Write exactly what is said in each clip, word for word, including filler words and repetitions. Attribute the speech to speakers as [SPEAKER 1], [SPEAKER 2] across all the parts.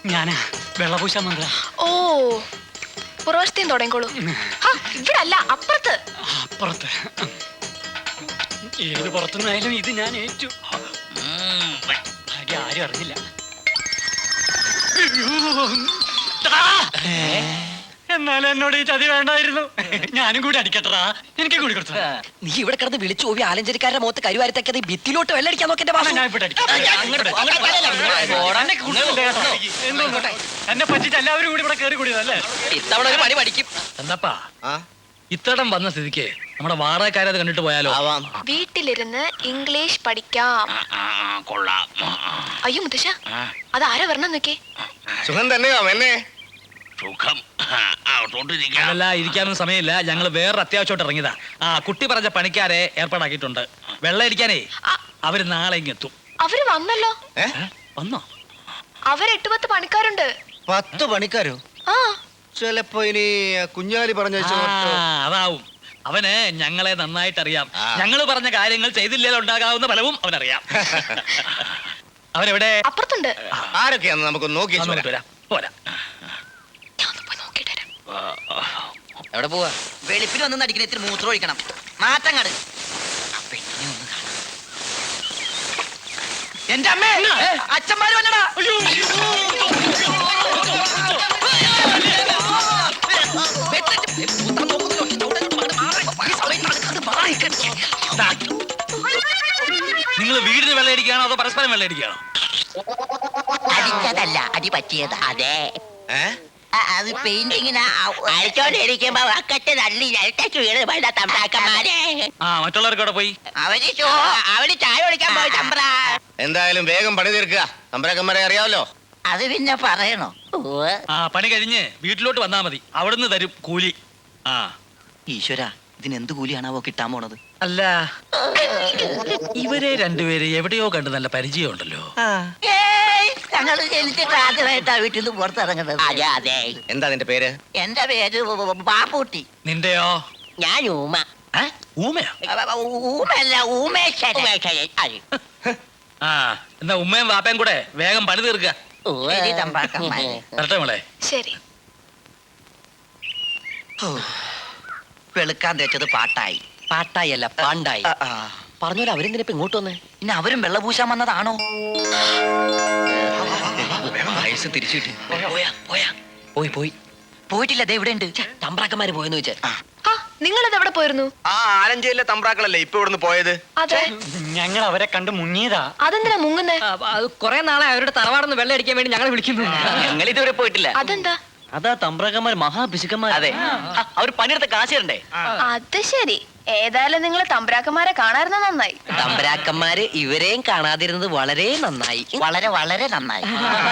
[SPEAKER 1] ഞാനാ വെള്ളപൂശാൻ വന്നതാ.
[SPEAKER 2] ഓ, പുറവശത്തേം തുടങ്ങിക്കോളൂ. ഇവിടെ അല്ല, അപ്പുറത്ത്.
[SPEAKER 1] അപ്പുറത്ത് ഏത് പുറത്തുനിന്നായാലും ഇത് ഞാൻ ഏറ്റു. ഭാഗ്യം ആരും അറിഞ്ഞില്ല. എന്നാലും എന്നോട് ഈ ചതി വേണ്ടായിരുന്നു. ഞാനും കൂടി അടിക്കട്ടടാ. എനിക്ക് കൂടി കൊടുത്ത.
[SPEAKER 3] നീ ഇവിടെ കിടന്ന് വിളിച്ചു പോയി ആലഞ്ചേരിക്കാരുടെ മുഖത്ത് കരുവാരത്തേക്കത് ഭിത്തിയിലോട്ട് വെള്ളടിക്കാൻ നോക്കി
[SPEAKER 1] എന്നെ പറ്റിട്ട് എല്ലാവരും കൂടി ഇവിടെ കയറി കൂടിയതല്ലേ?
[SPEAKER 3] ഇത്തവണ ഒരു പണി പഠിക്കും.
[SPEAKER 4] എന്താപ്പാ ഇത്തടം വന്ന സ്ഥിതിക്ക് നമ്മുടെ വാടകക്കാരത് കണ്ടിട്ട് പോയാലോ?
[SPEAKER 2] വീട്ടിലിരുന്ന് ഇംഗ്ലീഷ് പഠിക്കാം.
[SPEAKER 4] കൊള്ളാം.
[SPEAKER 2] അയ്യോ മുത്തശ്ശ, അത് ആരാ വരണം നോക്കേ.
[SPEAKER 5] സുഖം തന്നെയോ എന്നെ?
[SPEAKER 4] സുഖം. അല്ല, ഇരിക്കാനൊന്നും സമയമില്ല. ഞങ്ങൾ വേറെ അത്യാവശ്യമായിട്ട് ഇറങ്ങിയതാ. ആ കുട്ടി പറഞ്ഞ പണിക്കാരെ ഏർപ്പാടാക്കിയിട്ടുണ്ട്. വെള്ളം അടിക്കാനേ അവര് നാളെ ഇങ്ങെത്തും.
[SPEAKER 2] അവര് വന്നല്ലോ.
[SPEAKER 4] വന്നോ?
[SPEAKER 2] അവര് എട്ട് പത്ത് പണിക്കാരുണ്ട്.
[SPEAKER 5] പത്ത് പണിക്കാരോ?
[SPEAKER 2] ആ,
[SPEAKER 5] ചിലപ്പോ ഇനി കുഞ്ഞാലി പറഞ്ഞ
[SPEAKER 4] അതാവും. അവന് ഞങ്ങളെ നന്നായിട്ട് അറിയാം. ഞങ്ങൾ പറഞ്ഞ കാര്യങ്ങൾ ചെയ്തില്ലേ ഉണ്ടാകാവുന്ന ഫലവും അവനറിയാം. അവരെവിടെ?
[SPEAKER 2] അപ്പുറത്തുണ്ട്.
[SPEAKER 5] ആരൊക്കെയാന്ന് നമുക്ക് നോക്കി
[SPEAKER 4] പോരാ.
[SPEAKER 3] എവിടെ പോവാ? വെളുപ്പിൽ വന്ന് അടിക്കണ ഇത്തിരി മൂത്രം ഒഴിക്കണം. മാറ്റങ്ങട് എന്റെ അമ്മേ, അച്ഛന്മാര് വന്നടാ.
[SPEAKER 4] നിങ്ങൾ വീടിന് വെള്ളയടിക്കുകയാണോ അതോ പരസ്പരം വെള്ളയടിക്കുകയാണോ?
[SPEAKER 6] അടിച്ചതല്ല, അടി പറ്റിയത്. അതെ, അത് പെയിന്റിങ്ങിന് അടിച്ചോണ്ടിരിക്കുമ്പോ അക്കറ്റ് തള്ളി വീട് വേണ്ട തമ്പ്രാക്കന്മാരെ.
[SPEAKER 4] ആ മറ്റുള്ളവർക്ക് അവിടെ പോയി.
[SPEAKER 6] അവര് അവര് ചായ കുടിക്കാൻ പോയി തമ്പ്ര.
[SPEAKER 5] എന്തായാലും വേഗം പണി തീർക്കുക. തമ്പ്രാക്കന്മാരെ അറിയാമല്ലോ.
[SPEAKER 6] അത് പിന്നെ പറയണോ?
[SPEAKER 4] ആ പണി കഴിഞ്ഞ് വീട്ടിലോട്ട് വന്നാ മതി. അവിടുന്ന് തരും കൂലി. ആ
[SPEAKER 3] ഈശ്വര, ഇതിനെന്ത് കൂലിയാണാവോ കിട്ടാൻ പോണത്?
[SPEAKER 4] അല്ല, ഇവരെ രണ്ടുപേരെ എവിടെയോ കണ്ട് നല്ല പരിചയമുണ്ടല്ലോ.
[SPEAKER 6] ഞങ്ങൾ ജനിച്ചിട്ട് ആദ്യമായിട്ടാ വീട്ടിൽ നിന്ന് പുറത്തിറങ്ങുന്നത്. അതെ അതെ.
[SPEAKER 5] എന്താ നിന്റെ പേര്?
[SPEAKER 6] എന്റെ പേര് പാപ്പൂട്ടി.
[SPEAKER 4] നിന്റെയോ?
[SPEAKER 6] ഞാൻ ഊമ.
[SPEAKER 4] ഊമയാ?
[SPEAKER 6] ഊമല്ല, ഊമേശ്വരൻ.
[SPEAKER 4] ആ എന്നാ ഉമ്മയും വാപ്പയും കൂടെ വേഗം പണി തീർക്കുക. വരട്ടെ മോളെ.
[SPEAKER 2] ശരി.
[SPEAKER 3] വെളുക്കാൻ തേച്ചത് പാട്ടായി. പാട്ടായി അല്ല പാണ്ടായി. പറഞ്ഞോലെ അവരെന്തിനിപ്പ ഇങ്ങോട്ട് വന്നേ? ഇനി അവരും വെള്ളപൂശാൻ വന്നതാണോ? വയസ്സ് തിരിച്ചു കിട്ടി. പോയാ പോയാ പോയി പോയി പോയിട്ടില്ല. ദേ ഇവിടെ ഉണ്ട്. തമ്പ്രാക്കന്മാര് പോയെന്ന് വെച്ചാ.
[SPEAKER 2] നിങ്ങളത് എവിടെ പോയിരുന്നു?
[SPEAKER 5] ആ ആലഞ്ചേരിയിലെ തമ്പ്രാക്കളല്ലേ ഇപ്പൊ ഇവിടുന്ന് പോയത്?
[SPEAKER 2] അതെ,
[SPEAKER 1] ഞങ്ങൾ അവരെ കണ്ട് മുങ്ങിയതാ.
[SPEAKER 2] അതെന്തിനാ മുങ്ങുന്നേ?
[SPEAKER 3] കൊറേ നാളെ അവരുടെ തറവാടെന്ന് വെള്ളം അടിക്കാൻ വേണ്ടി ഞങ്ങളെ വിളിക്കുന്നു. ഞങ്ങൾ ഇതുവരെ പോയിട്ടില്ല.
[SPEAKER 2] അതെന്താ?
[SPEAKER 3] അതാ തമ്പ്രാക്കന്മാർ മഹാപിശുക്കന്മാർ. അതെ, അവർ പണിയെടുത്ത കാശുണ്ടേ.
[SPEAKER 2] അത് ശരി. ഏതായാലും നിങ്ങൾ തമ്പ്രാക്കന്മാരെ കാണാറുന്ന നന്നായി.
[SPEAKER 3] തമ്പ്രാക്കന്മാര് ഇവരെയും കാണാതിരുന്നത് വളരെ നന്നായി.
[SPEAKER 6] വളരെ വളരെ നന്നായി.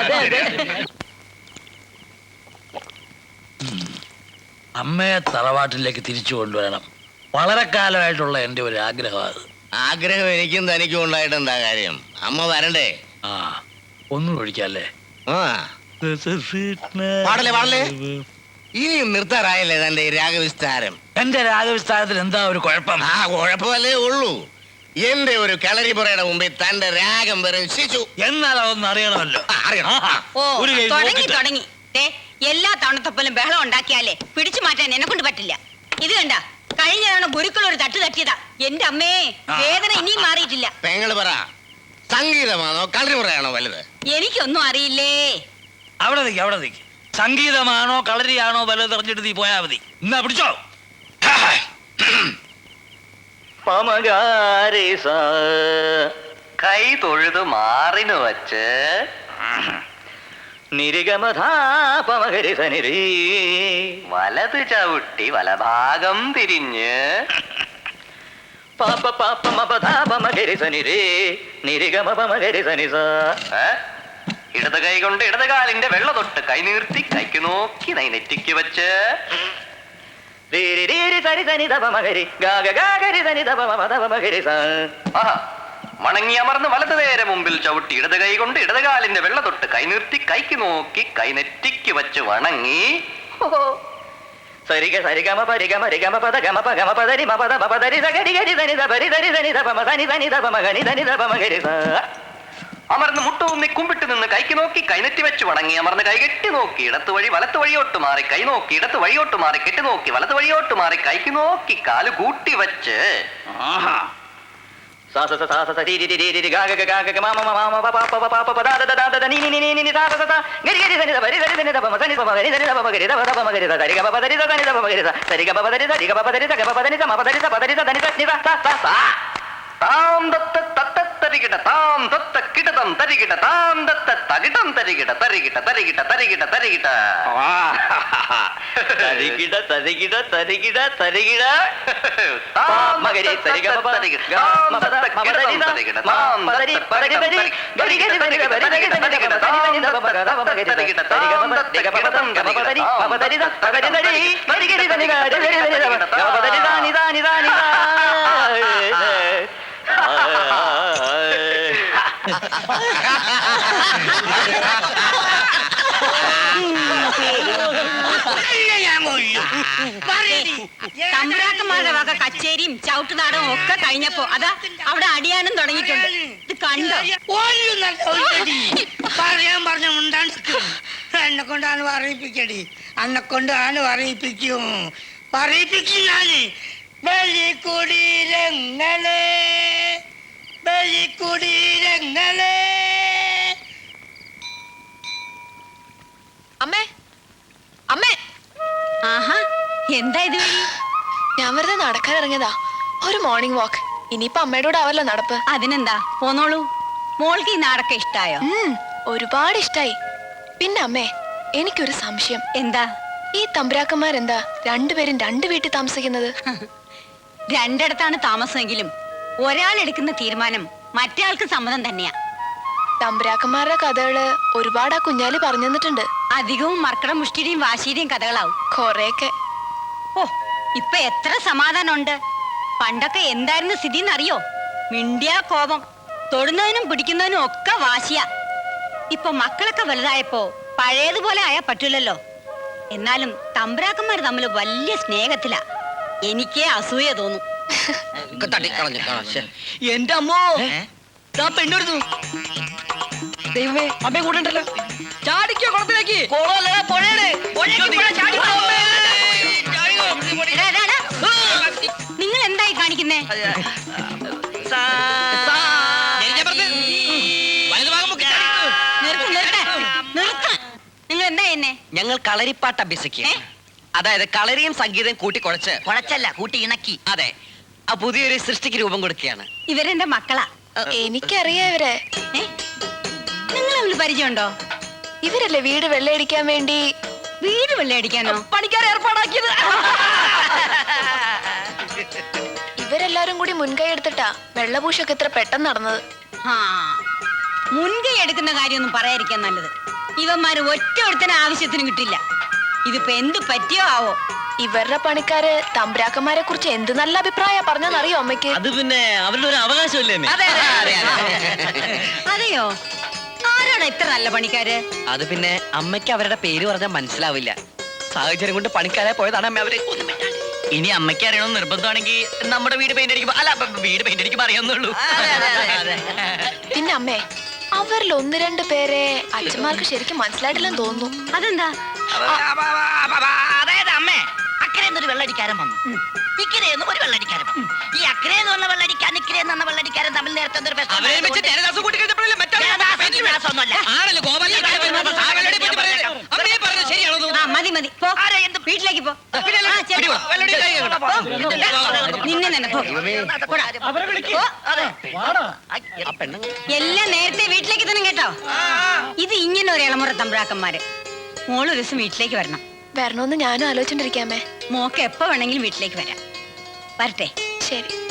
[SPEAKER 4] അമ്മയെ തറവാട്ടിലേക്ക് തിരിച്ചു കൊണ്ടുവരണം. വളരെ കാലമായിട്ടുള്ള എന്റെ ഒരു ആഗ്രഹമാണ്.
[SPEAKER 5] ആഗ്രഹം എനിക്കും തനിക്കും ഉണ്ടായിട്ട് എന്താ കാര്യം? അമ്മ വരണ്ടേ?
[SPEAKER 4] ആ ഒന്നും ഒഴിക്കല്ലേ.
[SPEAKER 5] ആ പാടല്ലേ പാടല്ലേ. ഇനിയും നിർത്താറായല്ലേ തന്റെ രാഗവിസ്താരം?
[SPEAKER 4] എന്റെ രാഗവിസ്താരത്തിൽ എന്താ ഒരു കുഴപ്പം?
[SPEAKER 5] ആ കുഴപ്പമല്ലേ ഉള്ളൂ. എന്റെ ഒരു കളരിപുറയുടെ മുമ്പിൽ തന്റെ രാഗം വെറും ശിശു.
[SPEAKER 4] എന്നാൽ അതൊന്നും അറിയണമല്ലോ.
[SPEAKER 7] തുടങ്ങി തുടങ്ങി എല്ലാ തവണത്തൊപ്പലും ബഹളം ഉണ്ടാക്കിയാലേ പിടിച്ചു മാറ്റാൻ എന്നെ കൊണ്ട് പറ്റില്ല. ഇത് കണ്ട, കഴിഞ്ഞ തവണ ഗുരുക്കൾ ഒരു തട്ട് തട്ടിയതാ. എന്റെ അമ്മേ, വേദന ഇനിയും മാറിയിട്ടില്ല.
[SPEAKER 5] പെങ്ങള് പറ, സംഗീതമാണോ കളരിപുറയാണോ വലുത്?
[SPEAKER 7] എനിക്കൊന്നും അറിയില്ലേ.
[SPEAKER 4] അവിടെ നിൽക്ക്, അവിടെ നിൽക്ക്. സംഗീതമാണോ കളരിയാണോ വലുത് അറിഞ്ഞിട്ട് നീ പോയാ മതി. എന്നാ പിടിച്ചോ.
[SPEAKER 8] കൈ തൊഴുതു മാറിന് വച്ച് നിരിഗമധാപമകരിസനിരീ വലത് ചവിട്ടി വലഭാഗം തിരിഞ്ഞ് പാപ പാപമപധാപമകരിസനിരീ നിരിഗമപമകരിസനിസ. ഇടത് കൈ കൊണ്ട് ഇടത് കാലിന്റെ വെള്ള തൊട്ട് കൈ നീർത്തി കൈക്ക് നോക്കി നൈ നെറ്റിക്ക് വെച്ച് മണങ്ങി അമർന്ന് വലത് നേരെ മുമ്പിൽ ചവിട്ടി ഇടത് കൈ കൊണ്ട് ഇടത് കാലിന്റെ വെള്ള തൊട്ട് കൈ നിർത്തി കൈക്ക് നോക്കി കൈ നെറ്റിക്ക് വെച്ച് വണങ്ങി സരിഗ സരിഗമ പരിഗമ രിഗമ പദ ഗമ പഗമ പദരി മപദ മപദരി സഗരി ഗരി ധനി ധ പരി ധരി ധനി ധ പമ ധനി ധനി ധ പമ ഗനി ധനി ധ പമ ഗരി സ. അമർന്ന് മുട്ടുന്നി കുമ്പിട്ട് നിന്ന് കൈക്ക് നോക്കി കൈനെറ്റി വെച്ച് വണങ്ങി അമർന്ന് കൈകെട്ടി നോക്കി ഇടത്ത് വഴി വലത്ത് വഴിയോട്ട് മാറി കൈ നോക്കി ഇടത്ത് വഴിയോട്ട് മാറി കെട്ടി നോക്കി വലത്ത് വഴിയോട്ട് മാറി കൈക്ക് നോക്കി കാല് കൂട്ടി വെച്ച് താം തത്ത തത്ത തരികിട താം തത്ത കിടതം തരികിട താം തത്ത തകിടം തരികിട തരികിട തരികിട തരികിട തരികിട തരികിട തരികിട തരികിട തരികിട താം മകരി തരികിട തരികിട താം തത്ത കിടതം തരികിട താം തരി പരഗ തരി ഗരിഗ തരികിട തരികിട തരികിട താം തത്ത തരികിട താം തത്ത കിടതം തരികിട താം തരി തകരി തരി തരികിട തരികിട തരികിട താം തരി ദാനി ദാനി ദാനി
[SPEAKER 7] തമ്പ്രാക്കന്മാരുടെ വക കച്ചേരിയും ചവിട്ടുനാടവും ഒക്കെ കഴിഞ്ഞപ്പോ അതാ അവിടെ അടിയാനും തുടങ്ങിയിട്ടുണ്ട്. ഇത് കണ്ടോ?
[SPEAKER 9] പറയാൻ പറഞ്ഞ ഉണ്ടാണ്ടിരിക്കും. എന്നെ കൊണ്ടാണ് പറയിപ്പിക്കടി, അന്നെ കൊണ്ടാണ് പറയിപ്പിക്കും പറയിപ്പിക്കും ഞാന്. ബലിക്കുടീരങ്ങളെ ബലിക്കുടീരങ്ങളെ.
[SPEAKER 2] അമ്മേ അമ്മേ,
[SPEAKER 7] ആഹാ, എന്താ ഇത് വഴി?
[SPEAKER 2] ഞാൻ വെറുതെ നടക്കാൻ ഇറങ്ങിയതാ, ഒരു മോർണിംഗ് വാക്ക്. ഇനിയിപ്പൊ അമ്മയുടെ കൂടെ ആവല്ലോ നടപ്പ്.
[SPEAKER 7] അതിനെന്താ, പോന്നോളൂ. മോൾക്ക് ഈ നാടൊക്കെ ഇഷ്ടായോ?
[SPEAKER 2] ഉം, ഒരുപാട് ഇഷ്ടായി. പിന്നെ അമ്മേ, എനിക്കൊരു സംശയം.
[SPEAKER 7] എന്താ?
[SPEAKER 2] ഈ തമ്പുരാക്കന്മാരെന്താ രണ്ടുപേരും രണ്ട് വീട്ടിൽ താമസിക്കുന്നത്?
[SPEAKER 7] രണ്ടിടത്താണ് താമസമെങ്കിലും ഒരാൾ എടുക്കുന്ന തീരുമാനം മറ്റേയാൾക്ക് സമ്മതം തന്നെയാ.
[SPEAKER 2] തമ്പുരാക്കന്മാരുടെ കഥകള് ഒരുപാട് ആ കുഞ്ഞാലി പറഞ്ഞു തന്നിട്ടുണ്ട്.
[SPEAKER 7] അധികവും മർക്കട മുഷ്ടിയുടെയും വാശിയുടെയും കഥകളാവും.
[SPEAKER 2] കൊറേയൊക്കെ.
[SPEAKER 7] ഓ, ഇപ്പൊ എത്ര സമാധാനമുണ്ട്. പണ്ടൊക്കെ എന്തായിരുന്നു സ്ഥിതി എന്നറിയോ? മിണ്ടിയാ കോപം, തൊടുന്നതിനും പിടിക്കുന്നതിനും ഒക്കെ വാശിയാ. ഇപ്പൊ മക്കളൊക്കെ വലുതായപ്പോ പഴയതുപോലെ ആയാ പറ്റൂലല്ലോ. എന്നാലും തമ്പുരാക്കന്മാർ തമ്മിൽ വലിയ സ്നേഹത്തിലാ. എനിക്കേ അസൂയ തോന്നും.
[SPEAKER 3] എന്റെ അമ്മോ, പെണ്ണെടുത്തു. ദൈവമേ, അമ്മ കൂടെ ഉണ്ടല്ലോ. ചാടിക്കോ കുളത്തിലേക്ക്.
[SPEAKER 7] നിങ്ങൾ എന്തായി കാണിക്കുന്നേ? നിങ്ങൾ എന്താ എന്നെ?
[SPEAKER 3] ഞങ്ങൾ കളരിപ്പാട്ട് അഭ്യസിക്കുക. അതായത് കളരിയും സംഗീതം കൂട്ടി കുഴച്ച്
[SPEAKER 6] കുഴച്ചല്ല, കൂട്ടി ഇണക്കി.
[SPEAKER 3] അതെ, ആ പുതിയൊരു സൃഷ്ടിക്ക് രൂപം കൊടുക്കുകയാണ്.
[SPEAKER 7] ഇവരെന്റെ മക്കളാ.
[SPEAKER 2] എനിക്കറിയാം ഇവരെ.
[SPEAKER 7] നിങ്ങൾ തമ്മിൽ പരിചയമുണ്ടോ?
[SPEAKER 2] ഇവരല്ലേ വീട് വെള്ളയടിക്കാൻ വേണ്ടി
[SPEAKER 7] വീട് വെള്ളയടിക്കാനോ
[SPEAKER 3] പണിക്കാരെ ഏർപ്പാടാക്കിയത്?
[SPEAKER 2] ഇവരെല്ലാരും കൂടി മുൻകൈ എടുത്തിട്ടാ വെള്ളപൂശൊക്കെ ഇത്ര പെട്ടെന്ന് നടന്നത്.
[SPEAKER 7] ആ, മുൻകൈ എടുക്കുന്ന കാര്യമൊന്നും പറയാതിരിക്കാൻ നല്ലത്. ഇവന്മാര് ഒറ്റ ഒരുത്തന ആവശ്യത്തിന് കിട്ടില്ല. ഇതിപ്പോ എന്ത് പറ്റിയോ ആവോ.
[SPEAKER 2] ഇവരുടെ പണിക്കാര് തമ്പുരാക്കന്മാരെ കുറിച്ച് എന്ത് നല്ല അഭിപ്രായം പറഞ്ഞെന്നറിയോ അമ്മയ്ക്ക്?
[SPEAKER 3] അത് പിന്നെ അവരുടെ ഒരു അവകാശമല്ലേ?
[SPEAKER 7] അതെയോ? ആരാണ് ഇത്ര നല്ല പണിക്കാര്?
[SPEAKER 3] അത് പിന്നെ അമ്മയ്ക്ക് അവരുടെ പേര് പറഞ്ഞാൽ മനസ്സിലാവില്ല. സാഹചര്യം കൊണ്ട് പണിക്കാരെ പോയതാണ് അമ്മ. അവര് ഇനി അമ്മയ്ക്ക് അറിയണമെന്ന് നിർബന്ധമാണെങ്കിൽ നമ്മുടെ വീട് പെയിന്റ് അടിക്കുമ്പോ, അല്ല, വീട് പെയിന്റ് അടിക്കുമ്പോ അറിയാവുന്നുള്ളൂ.
[SPEAKER 2] പിന്നെ അമ്മേ, അവരിൽ ഒന്ന് രണ്ട് പേരെ അച്ഛന്മാർക്ക് ശരിക്കും മനസ്സിലായിട്ടില്ലെന്ന് തോന്നുന്നു.
[SPEAKER 7] അതെന്താ?
[SPEAKER 6] അതായത് അമ്മേ, അക്കരെ എന്നൊരു വെള്ളടിക്കാരൻ വന്നു, ഇക്കരെ എന്ന് ഒരു വെള്ളടിക്കാരൻ വന്നു. ഈ അക്കരെ എന്ന് പറഞ്ഞ വെള്ളടിക്കാരൻ ഇക്കരെ എന്ന് പറഞ്ഞ വെള്ളടിക്കാരൻ തമ്മിൽ നേരത്തെ എന്തൊരു പ്രശ്നം
[SPEAKER 7] ആ, മതി മതി, പോ. വീട്ടിലേക്ക് പോ. ആ, ചെല്ലു. നിന്നെ തന്നെ പോ. പോടാ. പോ. എല്ലാം നേരത്തെ വീട്ടിലേക്ക് തന്നെ കേട്ടോ. ഇത് ഇങ്ങനെ ഒരു ഇളമുറ തമ്പ്രാക്കന്മാര്. മോളൊരു ദിവസം വീട്ടിലേക്ക് വരണം.
[SPEAKER 2] വരണമെന്ന് ഞാനും ആലോചിച്ചോണ്ടിരിക്കാമേ.
[SPEAKER 7] മോക്ക് എപ്പോ വേണമെങ്കിലും വീട്ടിലേക്ക് വരാം. വരട്ടെ?
[SPEAKER 2] ശരി.